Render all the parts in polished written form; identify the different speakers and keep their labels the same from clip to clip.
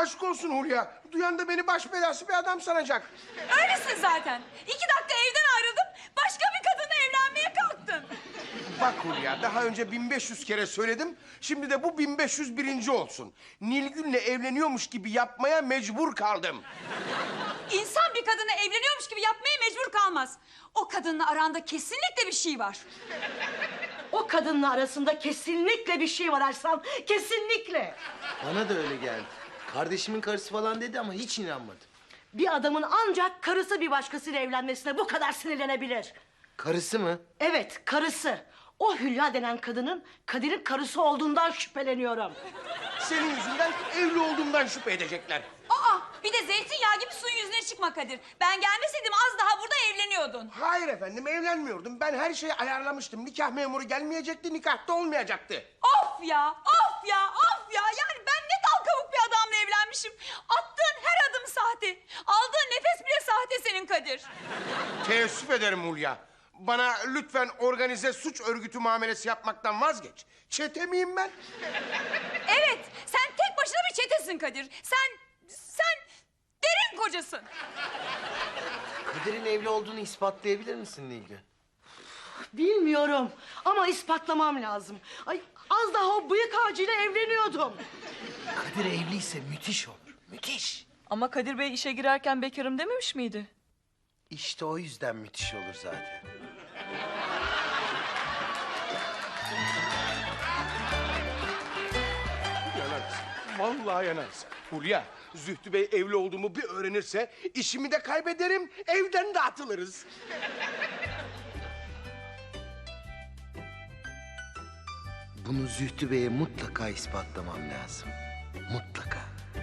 Speaker 1: Aşk olsun Hulya. Duyan da beni baş belası bir adam sanacak.
Speaker 2: Öylesin zaten. 2 dakika evden ayrıldım, başka bir kadınla evlenmeye kalktın.
Speaker 1: Bak Hulya, daha önce 1500 kere söyledim. Şimdi de bu 1501. olsun. Nilgün'le evleniyormuş gibi yapmaya mecbur kaldım.
Speaker 2: İnsan bir kadınla evleniyormuş gibi yapmaya mecbur kalmaz. O kadınla aranda kesinlikle bir şey var.
Speaker 3: O kadınla arasında kesinlikle bir şey var Arslan. Kesinlikle.
Speaker 4: Bana da öyle geldi. Kardeşimin karısı falan dedi ama hiç inanmadım.
Speaker 3: Bir adamın ancak karısı bir başkasıyla evlenmesine bu kadar sinirlenebilir.
Speaker 4: Karısı mı?
Speaker 3: Evet, karısı. O Hülya denen kadının Kadir'in karısı olduğundan şüpheleniyorum.
Speaker 1: Senin yüzünden evli olduğumdan şüphe edecekler.
Speaker 2: Aa, bir de zeytinyağı gibi suyun yüzüne çıkma Kadir. Ben gelmeseydim az daha burada evleniyordun.
Speaker 1: Hayır efendim, evlenmiyordum. Ben her şeyi ayarlamıştım. Nikah memuru gelmeyecekti, nikah da olmayacaktı.
Speaker 2: Of ya, of ya, of ya. Yani ben ne dal kavuk bir adamla evlenmişim. Attığın her adım sahte. Aldığın nefes bile sahte senin Kadir.
Speaker 1: Teessüf ederim Hulya. Bana lütfen organize suç örgütü muamelesi yapmaktan vazgeç. Çete miyim ben?
Speaker 2: Evet, sen tek başına bir çetesin Kadir. Sen derin kocasın.
Speaker 4: Kadir'in evli olduğunu ispatlayabilir misin Nilgün?
Speaker 3: Bilmiyorum ama ispatlamam lazım. Ay, az daha o bıyık ağacıyla evleniyordum.
Speaker 4: Kadir evliyse müthiş olur. Müthiş.
Speaker 5: Ama Kadir Bey işe girerken bekarım dememiş miydi?
Speaker 4: İşte o yüzden müthiş olur zaten.
Speaker 1: Yanarsın. Vallahi yanarsın. Hulya, Zühtü Bey evli olduğumu bir öğrenirse işimi de kaybederim, evden de atılırız.
Speaker 4: Bunu Zühtü Bey'e mutlaka ispatlamam lazım. Mutlaka.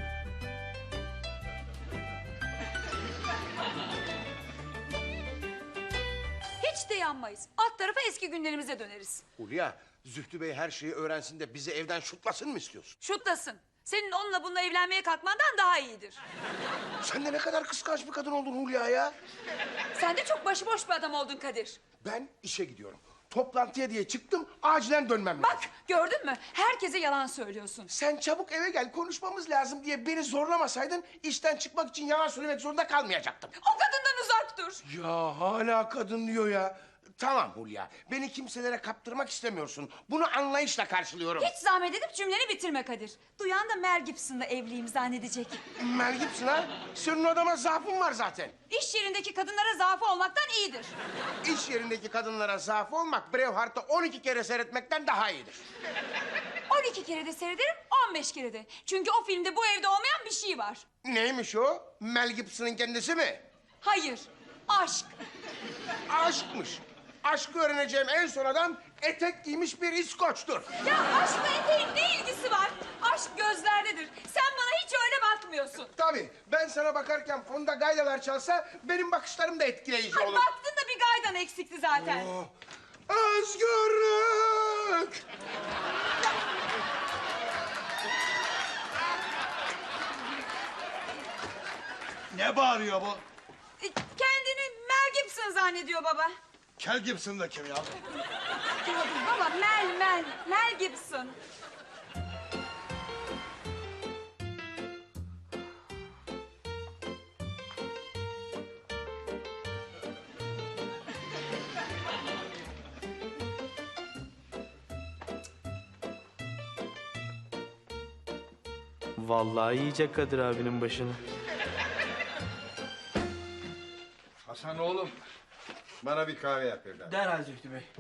Speaker 2: Hiç de yanmayız. Alt tarafa eski günlerimize döneriz.
Speaker 1: Hulya, Zühtü Bey her şeyi öğrensin de bizi evden şutlasın mı istiyorsun?
Speaker 2: Şutlasın. Senin onunla bununla evlenmeye kalkmandan daha iyidir.
Speaker 1: Sen de ne kadar kıskanç bir kadın oldun Hulya ya.
Speaker 2: Sen de çok başıboş bir adam oldun Kadir.
Speaker 1: Ben işe gidiyorum. Toplantıya diye çıktım, acilen dönmem lazım.
Speaker 2: Bak gördün mü? Herkese yalan söylüyorsun.
Speaker 1: Sen çabuk eve gel, konuşmamız lazım diye beni zorlamasaydın... ...işten çıkmak için yalan söylemek zorunda kalmayacaktım.
Speaker 2: O kadından uzak dur.
Speaker 1: Ya hala kadın diyor ya. Tamam Hulya, beni kimselere kaptırmak istemiyorsun. Bunu anlayışla karşılıyorum.
Speaker 2: Hiç zahmet edip cümleni bitirme Kadir. Duyan da Mel Gibson'la evliyim zannedecek.
Speaker 1: Mel Gibson ha? Senin adama zaafın var zaten.
Speaker 2: İş yerindeki kadınlara zaafı olmaktan iyidir.
Speaker 1: İş yerindeki kadınlara zaaf olmak... ...Braveheart'ı 12 kere seyretmekten daha iyidir.
Speaker 2: 12 kere de seyrederim, 15 kere de. Çünkü o filmde bu evde olmayan bir şey var.
Speaker 1: Neymiş o? Mel Gibson'ın kendisi mi?
Speaker 2: Hayır, aşk.
Speaker 1: Aşkmış. Aşkı öğreneceğim en son adam... ...etek giymiş bir İskoç'tur.
Speaker 2: Ya aşkla eteğin ne ilgisi var? Aşk gözlerdedir. Sen bana hiç öyle bakmıyorsun.
Speaker 1: Tabii, ben sana bakarken fonda gaydalar çalsa... ...benim bakışlarım da etkileyici
Speaker 2: Ay
Speaker 1: olur.
Speaker 2: baktın da bir gaydan eksikti zaten.
Speaker 1: Oh, özgürlük!
Speaker 6: Ne bağırıyor bu?
Speaker 2: Kendini Mel Gibson zannediyor baba.
Speaker 6: Kel Gibson da kim ya?
Speaker 2: Baba Mel Gibson.
Speaker 7: Vallahi yiyecek Kadir abinin başını.
Speaker 6: Hasan oğlum, bana bir kahve yap evladım.
Speaker 7: Derhal Zühtü Bey.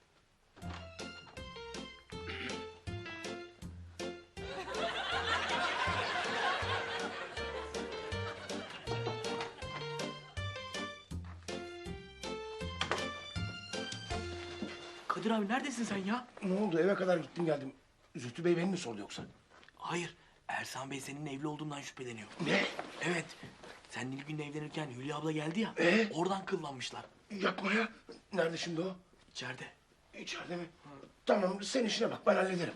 Speaker 7: Kadir abi neredesin sen ya?
Speaker 1: Ne oldu? Eve kadar gittim geldim. Zühtü Bey beni mi sordu yoksa?
Speaker 7: Hayır, Ersan Bey senin evli olduğundan şüpheleniyor.
Speaker 1: Ne?
Speaker 7: Evet, sen Nilgün'le evlenirken Hülya abla geldi ya, oradan kıllanmışlar.
Speaker 1: Yapma ya. Nerede şimdi o?
Speaker 7: İçeride.
Speaker 1: İçeride mi? Tamam, sen işine bak, ben hallederim.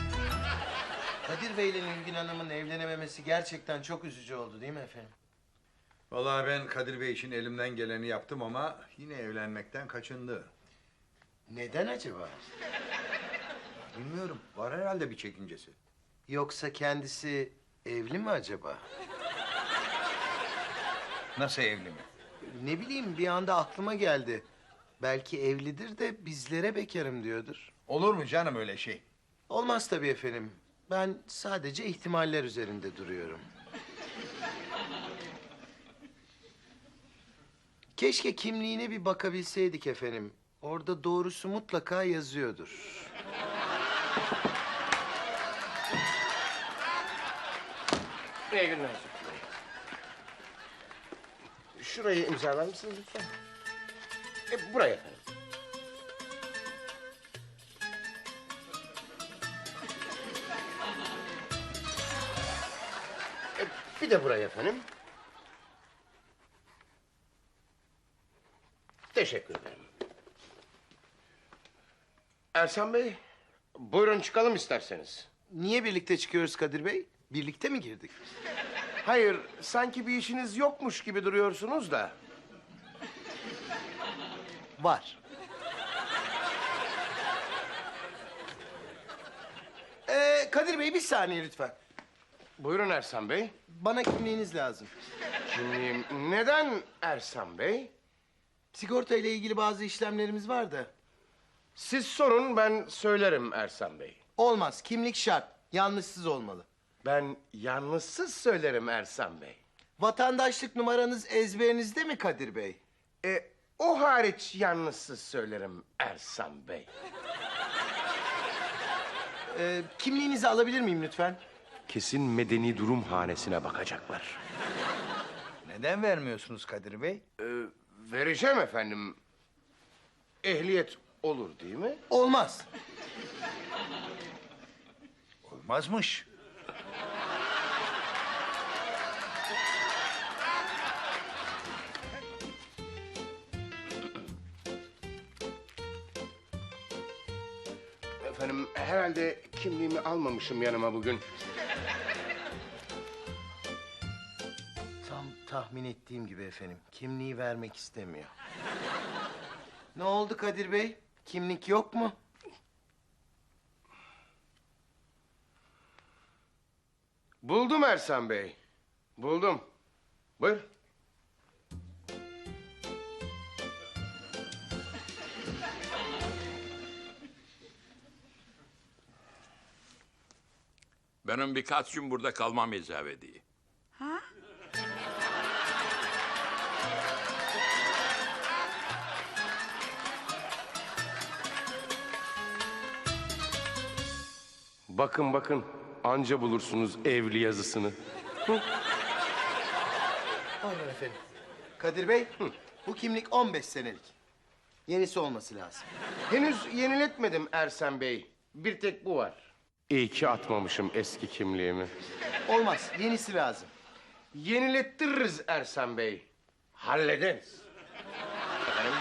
Speaker 4: Kadir Bey ile Nilgün Hanım'ın evlenememesi gerçekten çok üzücü oldu değil mi efendim?
Speaker 6: Vallahi ben Kadir Bey için elimden geleni yaptım ama yine evlenmekten kaçındı.
Speaker 4: Neden acaba?
Speaker 6: Bilmiyorum, var herhalde bir çekincesi.
Speaker 4: Yoksa kendisi evli mi acaba?
Speaker 6: Nasıl evli mi?
Speaker 4: Ne bileyim, bir anda aklıma geldi. Belki evlidir de bizlere bekarım diyordur.
Speaker 6: Olur mu canım öyle şey?
Speaker 4: Olmaz tabii efendim. Ben sadece ihtimaller üzerinde duruyorum. Keşke kimliğine bir bakabilseydik efendim. Orada doğrusu mutlaka yazıyordur.
Speaker 1: İyi günler Zühtü Bey. Şurayı imzalar mısınız lütfen? Buraya efendim. Bir de buraya efendim. Teşekkür ederim. Ersan Bey, buyurun çıkalım isterseniz.
Speaker 4: Niye birlikte çıkıyoruz Kadir Bey? Birlikte mi girdik?
Speaker 1: Hayır, sanki bir işiniz yokmuş gibi duruyorsunuz da.
Speaker 4: Var. Kadir Bey bir saniye lütfen.
Speaker 1: Buyurun Ersan Bey.
Speaker 4: Bana kimliğiniz lazım.
Speaker 1: Kimliğim neden Ersan Bey?
Speaker 4: Sigorta ile ilgili bazı işlemlerimiz var da.
Speaker 1: Siz sorun, ben söylerim Ersan Bey.
Speaker 4: Olmaz, kimlik şart. Yanlışsız olmalı.
Speaker 1: Ben yalnızsız söylerim Ersan Bey.
Speaker 4: Vatandaşlık numaranız ezberinizde mi Kadir Bey?
Speaker 1: O hariç yalnızsız söylerim Ersan Bey.
Speaker 4: Kimliğinizi alabilir miyim lütfen?
Speaker 1: Kesin medeni durum hanesine bakacaklar.
Speaker 6: Neden vermiyorsunuz Kadir Bey?
Speaker 1: Vereceğim efendim. Ehliyet olur değil mi?
Speaker 4: Olmaz.
Speaker 6: Olmazmış.
Speaker 1: Efendim herhalde kimliğimi almamışım yanıma bugün.
Speaker 4: Tam tahmin ettiğim gibi efendim. Kimliği vermek istemiyor. Ne oldu Kadir Bey? Kimlik yok mu?
Speaker 1: Buldum Ersan Bey. Buldum. Buyur.
Speaker 8: Benim birkaç gün burada kalmam icap ediyor.
Speaker 1: Bakın bakın, anca bulursunuz evli yazısını.
Speaker 4: Pardon efendim. Kadir Bey, bu kimlik 15 senelik. Yenisi olması lazım.
Speaker 1: Henüz yeniletmedim Ersan Bey. Bir tek bu var. İyi ki atmamışım eski kimliğimi.
Speaker 4: Olmaz, yenisi lazım.
Speaker 1: Yenilettiririz Ersan Bey. Hallederiz. Efendim?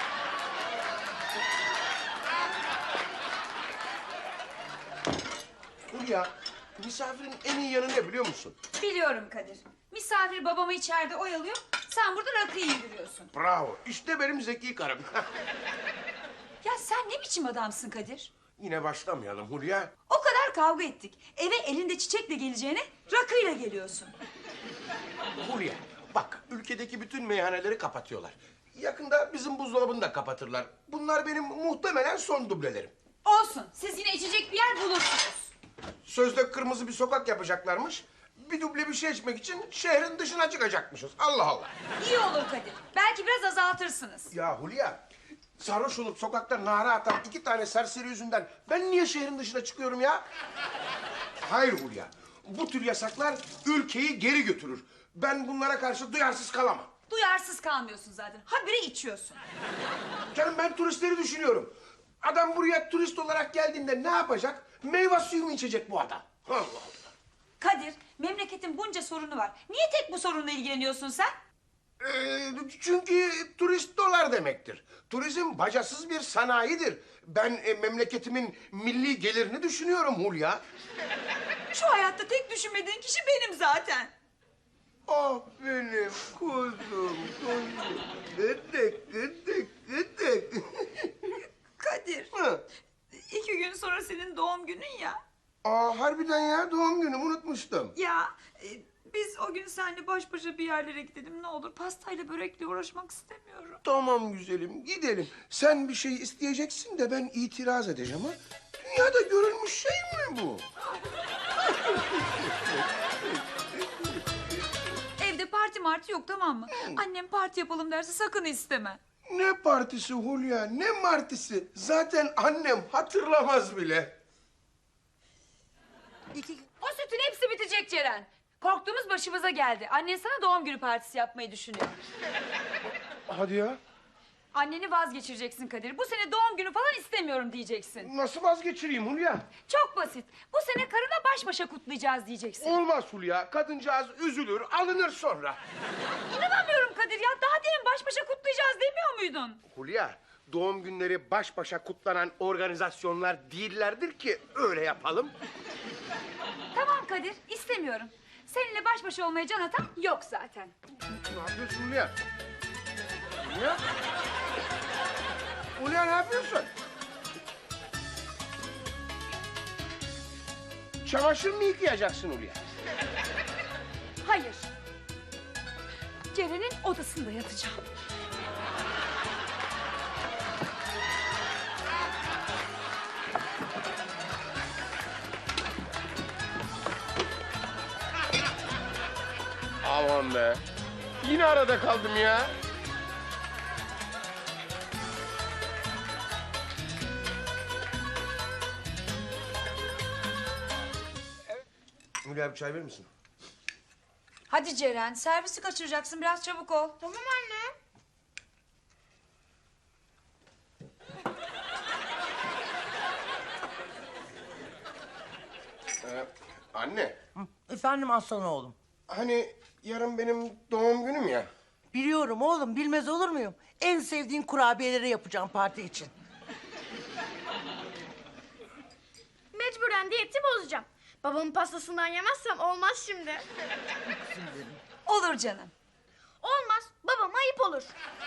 Speaker 1: Hulya, misafirin en iyi yanı ne biliyor musun?
Speaker 2: Biliyorum Kadir. Misafir babamı içeride oyalıyor. Sen burada rakıyı indiriyorsun.
Speaker 1: Bravo, işte benim zeki karım.
Speaker 2: Ya sen ne biçim adamsın Kadir?
Speaker 1: Yine başlamayalım Hulya.
Speaker 2: O kadar kavga ettik. Eve elinde çiçekle geleceğine rakıyla geliyorsun.
Speaker 1: Hulya, bak ülkedeki bütün meyhaneleri kapatıyorlar. Yakında bizim buzdolabını da kapatırlar. Bunlar benim muhtemelen son dublelerim.
Speaker 2: Olsun. Siz yine içecek bir yer bulursunuz.
Speaker 1: Sözde kırmızı bir sokak yapacaklarmış. Bir duble bir şey içmek için şehrin dışına çıkacakmışız. Allah Allah.
Speaker 2: İyi olur Kadir. Belki biraz azaltırsınız.
Speaker 1: Ya Hulya, sarhoş olup sokakta nara atan 2 tane serseri yüzünden ben niye şehrin dışına çıkıyorum ya? Hayır Hulya, bu tür yasaklar ülkeyi geri götürür. Ben bunlara karşı duyarsız kalamam.
Speaker 2: Duyarsız kalmıyorsun zaten. Habire içiyorsun.
Speaker 1: Canım ben turistleri düşünüyorum. Adam buraya turist olarak geldiğinde ne yapacak? Meyve suyu mu içecek bu adam? Allah Allah.
Speaker 2: Kadir, memleketin bunca sorunu var. Niye tek bu sorunla ilgileniyorsun sen?
Speaker 1: Çünkü turist dolar demektir. Turizm bacasız bir sanayidir. Ben memleketimin milli gelirini düşünüyorum Hulya.
Speaker 2: Şu hayatta tek düşünmediğin kişi benim zaten.
Speaker 1: Ah benim kuzum. Gıdık gıdık gıdık.
Speaker 2: Kadir,
Speaker 1: Hı.
Speaker 2: 2 gün sonra senin doğum günün ya.
Speaker 1: Aa harbiden ya doğum günüm unutmuştum.
Speaker 2: Ya biz o gün seninle baş başa bir yerlere gidelim ne olur. Pastayla börekle uğraşmak istemiyorum.
Speaker 1: Tamam güzelim gidelim. Sen bir şey isteyeceksin de ben itiraz edeceğim ha. Dünyada görülmüş şey mi bu?
Speaker 2: Evde parti marti yok tamam mı? Annem parti yapalım derse sakın isteme.
Speaker 1: Ne partisi Hulya ne martisi. Zaten annem hatırlamaz bile.
Speaker 2: O sütün hepsi bitecek Ceren. Korktuğumuz başımıza geldi. Annen sana doğum günü partisi yapmayı düşünüyor.
Speaker 1: Hadi ya.
Speaker 2: Anneni vazgeçireceksin Kadir. Bu sene doğum günü falan istemiyorum diyeceksin.
Speaker 1: Nasıl vazgeçireyim Hulya?
Speaker 2: Çok basit. Bu sene karına baş başa kutlayacağız diyeceksin.
Speaker 1: Olmaz Hulya. Kadıncağız üzülür, alınır sonra.
Speaker 2: İnanamıyorum Kadir ya. Daha demin baş başa kutlayacağız demiyor muydun?
Speaker 1: Hulya, doğum günleri baş başa kutlanan organizasyonlar değillerdir ki öyle yapalım.
Speaker 2: Tamam Kadir, istemiyorum. Seninle baş başa olmaya can atan yok zaten.
Speaker 1: Ne yapıyorsun Hulya? Hulya? Hulya ne yapıyorsun? Çamaşır mı yıkayacaksın Hulya?
Speaker 2: Hayır. Ceren'in odasında yatacağım.
Speaker 1: Aman be. Yine arada kaldım ya. Hulya bir çay verir misin?
Speaker 2: Hadi Ceren, servisi kaçıracaksın. Biraz çabuk ol.
Speaker 3: Tamam anne.
Speaker 1: Anne,
Speaker 9: Efendim aslan oğlum.
Speaker 1: hani yarın benim doğum günüm ya.
Speaker 9: Biliyorum oğlum, bilmez olur muyum? En sevdiğin kurabiyeleri yapacağım parti için.
Speaker 10: Mecburen diyeti bozacağım. Babamın pastasından yemezsem olmaz şimdi.
Speaker 2: Olur canım.
Speaker 10: Olmaz. Babama ayıp olur.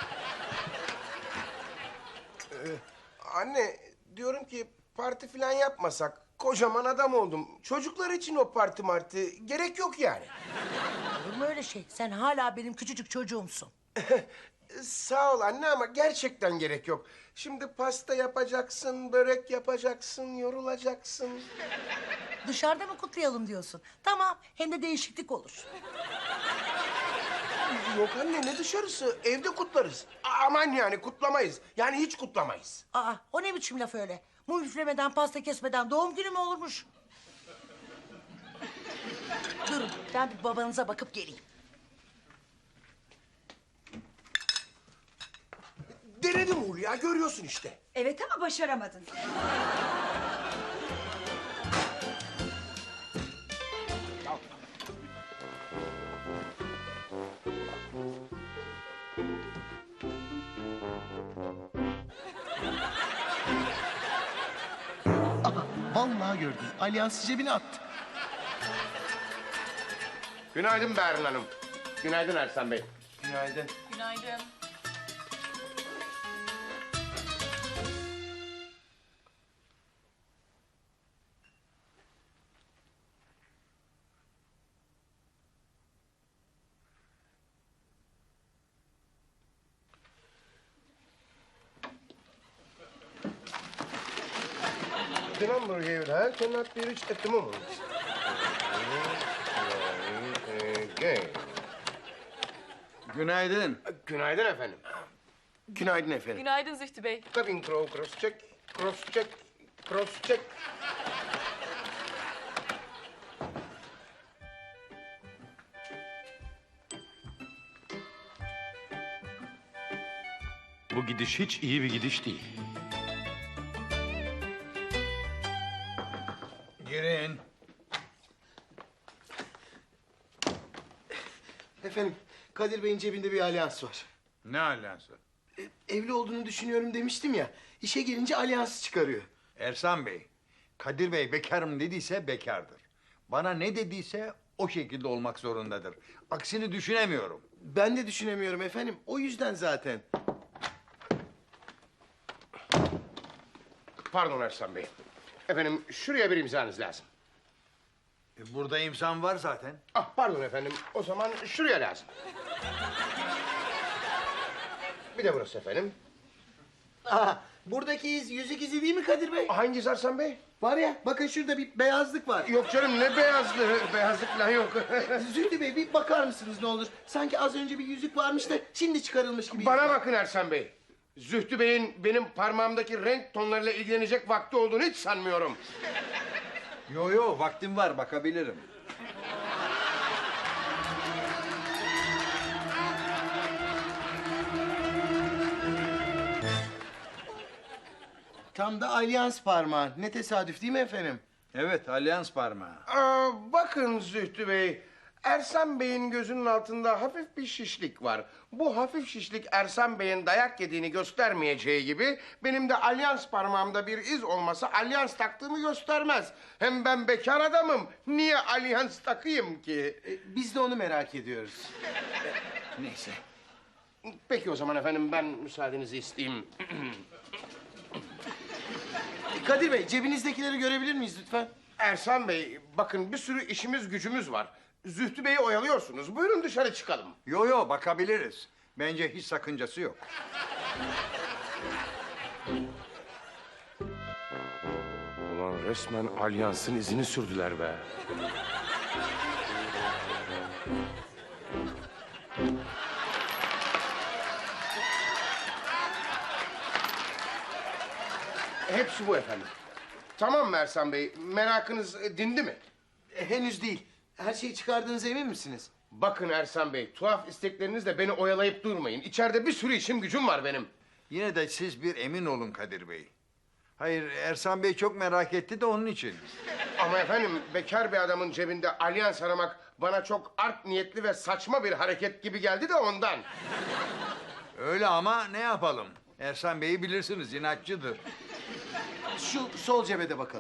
Speaker 1: Anne, diyorum ki parti falan yapmasak. Kocaman adam oldum. Çocuklar için o parti marti gerek yok yani.
Speaker 9: Olur mu öyle şey? Sen hala benim küçücük çocuğumsun.
Speaker 1: Sağ ol anne ama gerçekten gerek yok. Şimdi pasta yapacaksın, börek yapacaksın, yorulacaksın.
Speaker 9: Dışarıda mı kutlayalım diyorsun? Tamam, hem de değişiklik olur.
Speaker 1: Yok anne ne dışarısı? Evde kutlarız. Aman yani kutlamayız. Yani hiç kutlamayız.
Speaker 9: Aa, o ne biçim laf öyle? Mum üflemeden, pasta kesmeden doğum günü mü olurmuş? Durun, ben bir babanıza bakıp geleyim.
Speaker 1: Denedim Hulya, görüyorsun işte.
Speaker 2: Evet ama başaramadın.
Speaker 4: Vallahi gördüm. Alyansı cebine attı.
Speaker 1: Günaydın Berin Hanım. Günaydın Ersan Bey.
Speaker 4: Günaydın.
Speaker 5: Günaydın.
Speaker 1: The number here cannot be reached at the moment. Okay.
Speaker 6: Günaydın.
Speaker 1: Günaydın efendim. Günaydın efendim.
Speaker 5: Günaydın Zühtü Bey.
Speaker 1: Cabin crow, cross check, cross check, cross check.
Speaker 11: Bu gidiş hiç iyi bir gidiş değil.
Speaker 6: Girin.
Speaker 4: Efendim, Kadir Bey'in cebinde bir alyans var.
Speaker 6: Ne alyansı?
Speaker 4: Evli olduğunu düşünüyorum demiştim ya. İşe gelince alyansı çıkarıyor.
Speaker 6: Ersan Bey, Kadir Bey bekarım dediyse bekardır. Bana ne dediyse o şekilde olmak zorundadır. Aksini düşünemiyorum.
Speaker 4: Ben de düşünemiyorum efendim. O yüzden zaten.
Speaker 1: Pardon Ersan Bey. Efendim şuraya bir imzanız lazım.
Speaker 6: Burada imzam var zaten.
Speaker 1: Ah pardon efendim. O zaman şuraya lazım. Bir de burası efendim.
Speaker 4: Aa, buradaki iz yüzük izi değil mi Kadir Bey?
Speaker 1: Hangisi Ersan Bey?
Speaker 4: Var ya, bakın şurada bir beyazlık var.
Speaker 1: Yok canım ne beyazlığı. Beyazlık falan yok.
Speaker 4: Zühtü Bey bir bakar mısınız ne olur? Sanki az önce bir yüzük varmış da şimdi çıkarılmış gibi.
Speaker 1: Bana bakın Ersan Bey. Zühtü Bey'in benim parmağımdaki renk tonlarıyla ilgilenecek vakti olduğunu hiç sanmıyorum.
Speaker 6: Yo vaktim var, bakabilirim.
Speaker 4: Tam da alyans parmağı. Ne tesadüf değil mi efendim?
Speaker 6: Evet, alyans parmağı.
Speaker 1: Bakın Zühtü Bey. Ersan Bey'in gözünün altında hafif bir şişlik var. Bu hafif şişlik Ersan Bey'in dayak yediğini göstermeyeceği gibi... ...benim de alyans parmağımda bir iz olması alyans taktığımı göstermez. Hem ben bekar adamım. Niye alyans takayım ki?
Speaker 4: Biz de onu merak ediyoruz.
Speaker 1: Neyse. Peki o zaman efendim ben müsaadenizi isteyeyim.
Speaker 4: Kadir Bey cebinizdekileri görebilir miyiz lütfen?
Speaker 1: Ersan Bey bakın bir sürü işimiz gücümüz var. Zühtü Bey'i oyalıyorsunuz. Buyurun dışarı çıkalım.
Speaker 6: Yo bakabiliriz. Bence hiç sakıncası yok.
Speaker 1: Ulan resmen alyansın izini sürdüler be. Hepsi bu efendim. Tamam mı Ersan Bey? Merakınız dindi mi?
Speaker 4: Henüz değil. Her şeyi çıkardığınıza emin misiniz?
Speaker 1: Bakın Ersan Bey, tuhaf isteklerinizle beni oyalayıp durmayın. İçeride bir sürü işim gücüm var benim.
Speaker 6: Yine de siz bir emin olun Kadir Bey. Hayır, Ersan Bey çok merak etti de onun için.
Speaker 1: Ama efendim, bekar bir adamın cebinde alyans aramak... ...bana çok art niyetli ve saçma bir hareket gibi geldi de ondan.
Speaker 6: Öyle ama ne yapalım? Ersan Bey'i bilirsiniz, inatçıdır.
Speaker 4: Şu sol cebe bakalım.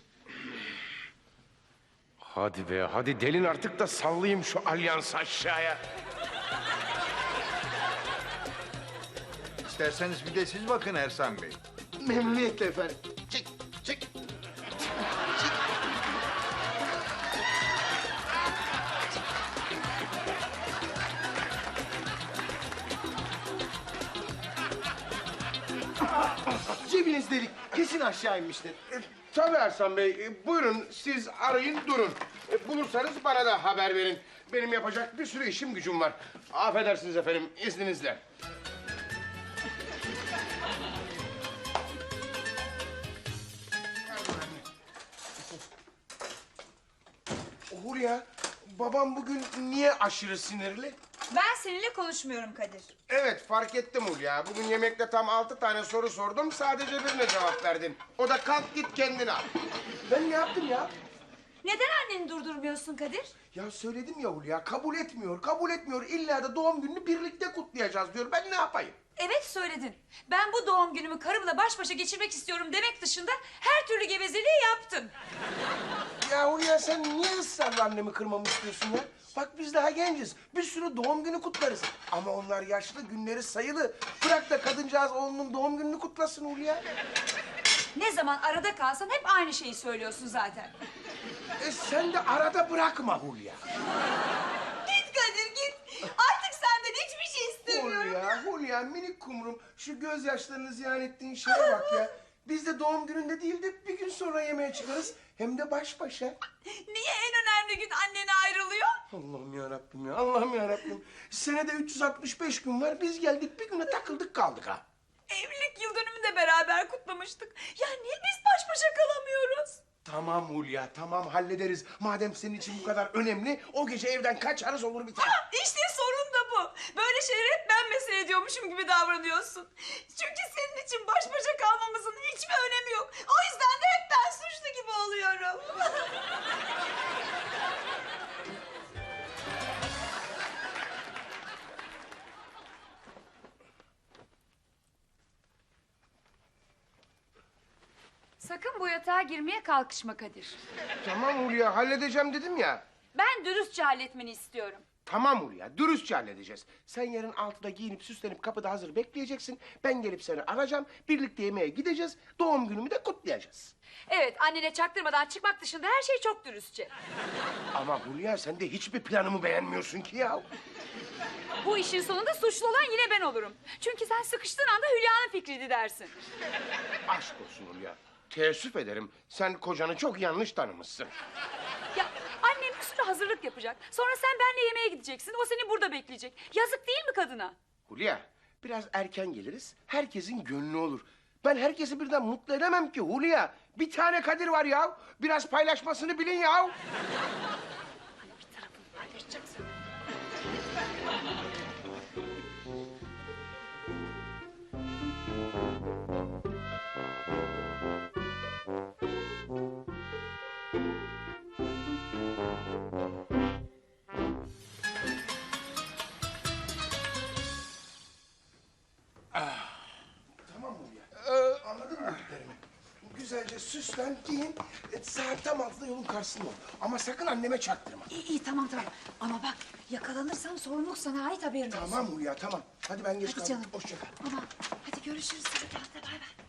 Speaker 1: Hadi be, hadi delin artık da sallayayım şu alyansı aşağıya.
Speaker 6: İsterseniz bir de siz bakın Ersan Bey.
Speaker 4: Memnuniyetle efendim. Çek. Cebiniz delik. Kesin aşağı inmiştir.
Speaker 1: Tabii Ersan Bey, buyurun siz arayın durun. Bulursanız bana da haber verin. Benim yapacak bir sürü işim gücüm var. Affedersiniz efendim, izninizle. Hulya, babam bugün niye aşırı sinirli?
Speaker 2: Ben seninle konuşmuyorum Kadir.
Speaker 1: Evet, fark ettim Hulya. Bugün yemekte tam 6 tane soru sordum, sadece birine cevap verdin. O da kalk git kendine al. Ben ne yaptım ya?
Speaker 2: Neden anneni durdurmuyorsun Kadir?
Speaker 1: Ya söyledim ya Hulya, kabul etmiyor. İlla da doğum gününü birlikte kutlayacağız diyor. Ben ne yapayım?
Speaker 2: Evet söyledin. Ben bu doğum günümü karımla baş başa geçirmek istiyorum demek dışında her türlü gevezeliği yaptım.
Speaker 1: Ya Hulya sen niye ısrarla annemi kırmamı istiyorsun ya? Bak biz daha genciz. Bir sürü doğum günü kutlarız. Ama onlar yaşlı, günleri sayılı. Bırak da kadıncağız oğlunun doğum gününü kutlasın Hulya.
Speaker 2: Ne zaman arada kalsan hep aynı şeyi söylüyorsun zaten.
Speaker 1: Sen de arada bırakma Hulya.
Speaker 2: Git Kadir git. Artık senden hiçbir şey istemiyorum.
Speaker 1: Hulya minik kumrum. Şu gözyaşlarını ziyan ettiğin şeye bak ya. Biz de doğum gününde değil de bir gün sonra yemeğe çıkarız. Hem de baş başa.
Speaker 2: Niye en önemli gün annene ayrılıyor?
Speaker 1: Allah'ım ya Rabbim. Senede 365 gün var. Biz geldik bir güne takıldık kaldık ha.
Speaker 2: Evlilik yıl dönümünü de beraber kutlamıştık. Ya niye biz baş başa kalamıyoruz?
Speaker 1: Tamam Hulya, tamam hallederiz. Madem senin için bu kadar önemli, o gece evden kaçarız olur biter.
Speaker 2: İşte sorun da bu. Böyle şeyleri hep ben mesele ediyormuşum gibi davranıyorsun. Çünkü senin için baş başa kalmamızın hiçbir önemi yok. O yüzden de hep ben suçlu gibi oluyorum. Sakın bu yatağa girmeye kalkışma Kadir.
Speaker 1: Tamam Hulya, halledeceğim dedim ya.
Speaker 2: Ben dürüstçe halletmeni istiyorum.
Speaker 1: Tamam Hulya, dürüstçe halledeceğiz. Sen yarın 6'da giyinip süslenip kapıda hazır bekleyeceksin. Ben gelip seni arayacağım. Birlikte yemeğe gideceğiz. Doğum günümü de kutlayacağız.
Speaker 2: Evet, annene çaktırmadan çıkmak dışında her şey çok dürüstçe.
Speaker 1: Ama Hulya sen de hiçbir planımı beğenmiyorsun ki ya.
Speaker 2: Bu işin sonunda suçlu olan yine ben olurum. Çünkü sen sıkıştığın anda Hülya'nın fikriydi dersin.
Speaker 1: Aşk olsun Hulya. Teessüf ederim. Sen kocanı çok yanlış tanımışsın.
Speaker 2: Ya annem bir sürü hazırlık yapacak. Sonra sen benimle yemeğe gideceksin. O seni burada bekleyecek. Yazık değil mi kadına?
Speaker 1: Hulya, biraz erken geliriz. Herkesin gönlü olur. Ben herkesi birden mutlu edemem ki Hulya. Bir tane Kadir var ya. Biraz paylaşmasını bilin ya. Tamam Hulya. Anladın mı dediklerimi? Güzelce süslen, giyin. Saat tam 6'da yolun karşısında ol. Ama sakın anneme çaktırma.
Speaker 2: İyi tamam. Ama bak yakalanırsam sorumluluk sana ait haberin olsun.
Speaker 1: Tamam Hulya, tamam. Hadi ben geç
Speaker 2: Hadi
Speaker 1: kaldım.
Speaker 2: canım.
Speaker 1: Hoşça kal.
Speaker 2: Ama hadi görüşürüz. Hadi bay bay.